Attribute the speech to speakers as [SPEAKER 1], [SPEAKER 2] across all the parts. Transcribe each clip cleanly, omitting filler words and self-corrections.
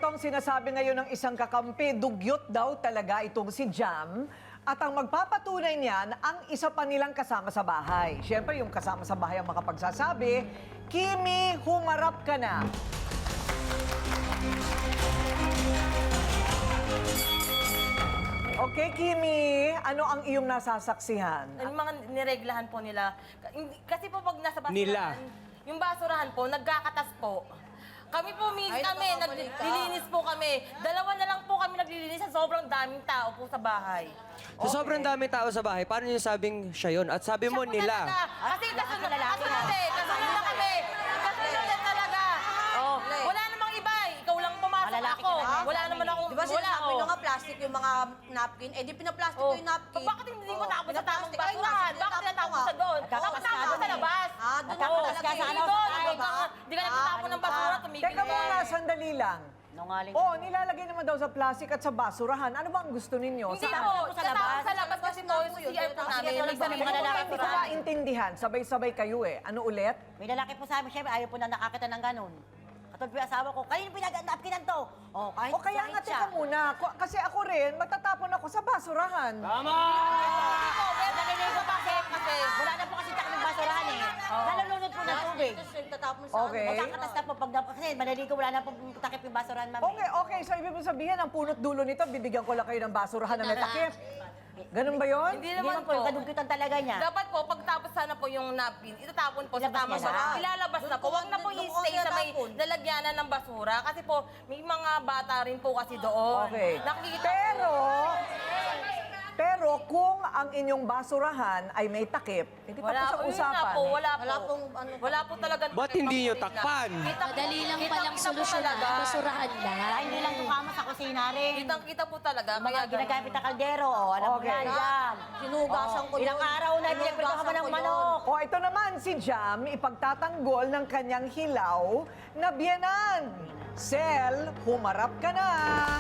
[SPEAKER 1] ang sinasabi ngayon ng isang kakampi, dugyot daw talaga itong si Jam. At ang magpapatunay niyan, ang isa pa nilang kasama sa bahay. Siyempre, yung kasama sa bahay ang makapagsasabi, Kimi, humarap ka na. Okay, Kimi, ano ang iyong nasasaksihan?
[SPEAKER 2] Yung mga nireglahan po nila. Kasi po pag nasa basurahan,
[SPEAKER 3] Nila.
[SPEAKER 2] yung basurahan po, nagkakatas po. Kami po, naglilinis po kami. Dalawa na lang po kami naglilinis sa sobrang daming tao po sa bahay.
[SPEAKER 3] Sa sobrang daming tao sa bahay, paano niyo sabing siya yun? At sabi mo
[SPEAKER 2] Siya po
[SPEAKER 3] nila.
[SPEAKER 2] talaga. Kasi kasunod na kami. Kasunod na talaga. Wala namang iba. Ikaw lang pumasok
[SPEAKER 4] Malalaki
[SPEAKER 2] ako.
[SPEAKER 4] ka na.
[SPEAKER 2] Wala naman akong
[SPEAKER 4] Di ba sinasabi nyo nga plastic yung mga napkin? Eh di pinaplastic ko yung napkin.
[SPEAKER 2] Bakit hindi mo tapos sa tamang
[SPEAKER 4] Pinaplastic. Ay,
[SPEAKER 2] basurahan?
[SPEAKER 4] nasa-
[SPEAKER 2] Bakit natapos sa doon?
[SPEAKER 4] Nagkakatas
[SPEAKER 2] Dapat
[SPEAKER 4] ka
[SPEAKER 2] natapos sa
[SPEAKER 4] doon eh.
[SPEAKER 2] labas.
[SPEAKER 4] Ah, doon
[SPEAKER 2] Oo,
[SPEAKER 4] natapos ka sa ano,
[SPEAKER 2] doon,
[SPEAKER 4] sa
[SPEAKER 2] doon,
[SPEAKER 4] ba?
[SPEAKER 2] Hindi ka nagtatapon ng basura, tumigil
[SPEAKER 1] Teka
[SPEAKER 2] ka.
[SPEAKER 1] muna, sandali lang.
[SPEAKER 4] Nungaling.
[SPEAKER 1] Oh, nilalagay naman daw sa plastic at sa basurahan. Ano ba ang gusto ninyo?
[SPEAKER 2] Hindi
[SPEAKER 1] Sa-
[SPEAKER 2] po, sa labas kasi po, yung CR po namin.
[SPEAKER 4] Sige,
[SPEAKER 2] Nagsabi
[SPEAKER 4] mga
[SPEAKER 2] ko
[SPEAKER 4] lalaki
[SPEAKER 2] pa
[SPEAKER 1] Hindi ko maintindihan. Sabay-sabay kayo eh. Ano ulit?
[SPEAKER 4] May lalaki po sa amin, syempre ayaw po na nakakita ng ganun. Katulad po yung asawa ko, kanino pinag-napkinan to? Oh, kahit
[SPEAKER 1] O kaya nga,
[SPEAKER 4] siya.
[SPEAKER 1] teka muna. Kasi ako rin, magtatapon ako sa basurahan.
[SPEAKER 4] Naliligo pa kasi wala na po kasi takip ng basurahan eh. Nalulunod po ng tubig.
[SPEAKER 1] Okay.
[SPEAKER 4] Magkakatas na po pag kasi maliligo, wala na po takip yung basurahan, ma'am.
[SPEAKER 1] Okay. So, ibig mo sabihin, ang punot dulo nito, bibigyan ko lang kayo ng basurahan na may takip. Ganun ba yun?
[SPEAKER 2] Hindi
[SPEAKER 4] Hindi
[SPEAKER 2] naman
[SPEAKER 4] naman po,
[SPEAKER 2] po.
[SPEAKER 4] kadugkitan talaga niya.
[SPEAKER 2] Dapat po, pagtapos sana po yung napkin, itatapon po sa
[SPEAKER 4] Ilabas
[SPEAKER 2] tamang
[SPEAKER 4] niya na.
[SPEAKER 2] basura. Ilalabas na po. Huwag na po i-stay sa may lalagyanan ng basura. Kasi po, may mga bata rin po kasi doon.
[SPEAKER 1] Okay.
[SPEAKER 2] Nakikita
[SPEAKER 1] Pero kung ang inyong basurahan ay may takip, hindi pa po sa
[SPEAKER 2] yun nga
[SPEAKER 1] usapan.
[SPEAKER 2] po, wala po.
[SPEAKER 4] Wala pong
[SPEAKER 2] Wala po talaga.
[SPEAKER 3] Ba't hindi nyo takpan?
[SPEAKER 5] Madali lang palang
[SPEAKER 2] Kitang-kita po
[SPEAKER 5] solusyonan,
[SPEAKER 2] talaga.
[SPEAKER 5] basurahan
[SPEAKER 4] Dahil
[SPEAKER 5] lang.
[SPEAKER 4] hindi lang tukama sa kusina rin.
[SPEAKER 2] Kitang-kita po talaga.
[SPEAKER 4] Mga
[SPEAKER 2] Kaya
[SPEAKER 4] ginagamit na kaldero, oh, alam mo
[SPEAKER 1] Okay.
[SPEAKER 4] yan, dyan.
[SPEAKER 6] Hinugasan ko yun.
[SPEAKER 4] Ilang araw na pinagpinto ka ng manok.
[SPEAKER 1] O ito naman si Jam, ipagtatanggol ng kanyang hilaw na biyenan. Sel, humarap ka na.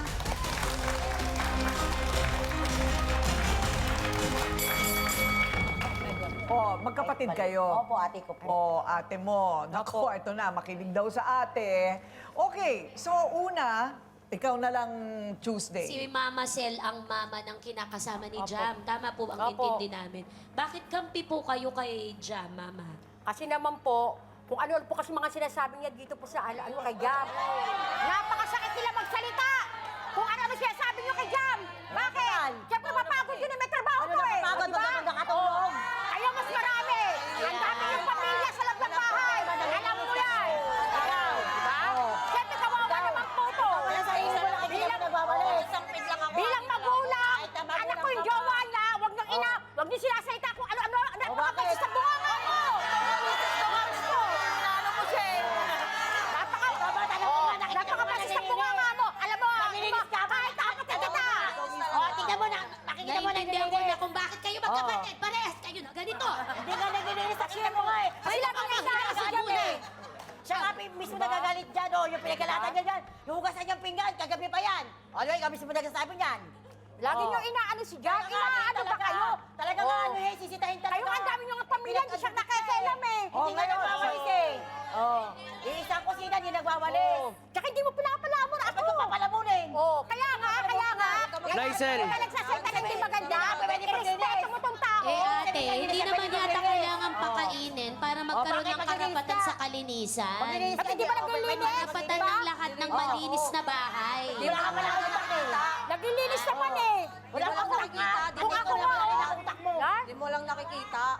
[SPEAKER 1] O, magkapatid kayo.
[SPEAKER 4] Opo, ate ko po.
[SPEAKER 1] O, ate mo. Naku, ito na, makinig daw sa ate. Okay, so una, ikaw na lang Tuesday.
[SPEAKER 5] Si Mama Sel ang mama ng kinakasama ni Jam. Tama po ang
[SPEAKER 6] Opo.
[SPEAKER 5] intindi namin. Bakit kampi po kayo kay Jam, Mama?
[SPEAKER 6] Kasi naman po, kung ano po kasi mga sinasabi niya dito po sa ano kay Jam. Napakasakit nila magsalita! Kung ano sinasabi niyo kay Jam! Bakit? Siyempre mapagod yun eh, may trabaho
[SPEAKER 4] Ano
[SPEAKER 6] ko eh!
[SPEAKER 4] nakapagod,
[SPEAKER 6] Di ba?
[SPEAKER 4] wag ka nakatulog.
[SPEAKER 6] Kayo mas marami! Ang dami yung pamilya sa loob ng bahay! Alam mo yan! Di ba? Siyempre kawawa naman po to!
[SPEAKER 4] Wala sa iyo, wala kayo na nagwawalis.
[SPEAKER 6] Bilang magulang, anak ko yung jowa niya, huwag niyong ina, huwag niyo sinasalita kung ano-ano, napakapagsis sa bunganga mo!
[SPEAKER 2] ano po siya eh.
[SPEAKER 6] Napakapagsis sa bunganga mo! Alam mo,
[SPEAKER 4] Nanilinis ka ba?
[SPEAKER 6] kahit kapatid kita!
[SPEAKER 4] Oh, tingnan mo na, nakikita mo na
[SPEAKER 5] Naintindihan ko na
[SPEAKER 4] nililinis.
[SPEAKER 5] kung bakit kayo magkapatid. Parehas kayo na ganito.
[SPEAKER 4] Hindi nga naglilinis, nakita mo nga eh.
[SPEAKER 6] Kasi lang ang isa si Jam eh!
[SPEAKER 4] Siya nga mismo nagagalit dyan, oh, yung pinagkalatan niya dyan. Yung hugasan niyang pinggan, kagabi pa yan. Ano yung mismo nagsasabi niyan?
[SPEAKER 6] Lagi niyo inaano si Jam, inaano ba kayo?
[SPEAKER 4] Talaga nga ano eh, sisitahin talaga.
[SPEAKER 6] Kayo ang dami niyo ng pamilya, hindi siya nakikialam eh!
[SPEAKER 4] Hindi nga nagwawalis eh. Oh, iisang kusina, hindi nagwawalis.
[SPEAKER 6] Tsaka hindi mo pinapalamon ako!
[SPEAKER 4] Dapat yung papalamunin.
[SPEAKER 6] Kaya nga!
[SPEAKER 3] Lysel.
[SPEAKER 6] Kaya nagsasalita ng hindi maganda,
[SPEAKER 4] Pwede
[SPEAKER 6] irespeto mo tong tao!
[SPEAKER 5] Eh ate, hindi naman yata kailangan pakainin para magkaroon
[SPEAKER 4] bakit
[SPEAKER 5] ng
[SPEAKER 4] maglinis
[SPEAKER 5] karapatan
[SPEAKER 4] ka?
[SPEAKER 5] sa kalinisan.
[SPEAKER 4] Maglinis
[SPEAKER 6] At hindi ba naglilinis?
[SPEAKER 5] Karapatan
[SPEAKER 6] Diba?
[SPEAKER 5] ng lahat ng malinis na bahay.
[SPEAKER 4] Di ba ka pala utak eh?
[SPEAKER 6] Naglilinis naman eh!
[SPEAKER 4] Wala kang nakikita.
[SPEAKER 6] Kung ako mo,
[SPEAKER 4] utak mo.
[SPEAKER 6] ha?
[SPEAKER 7] Hindi mo lang nakikita.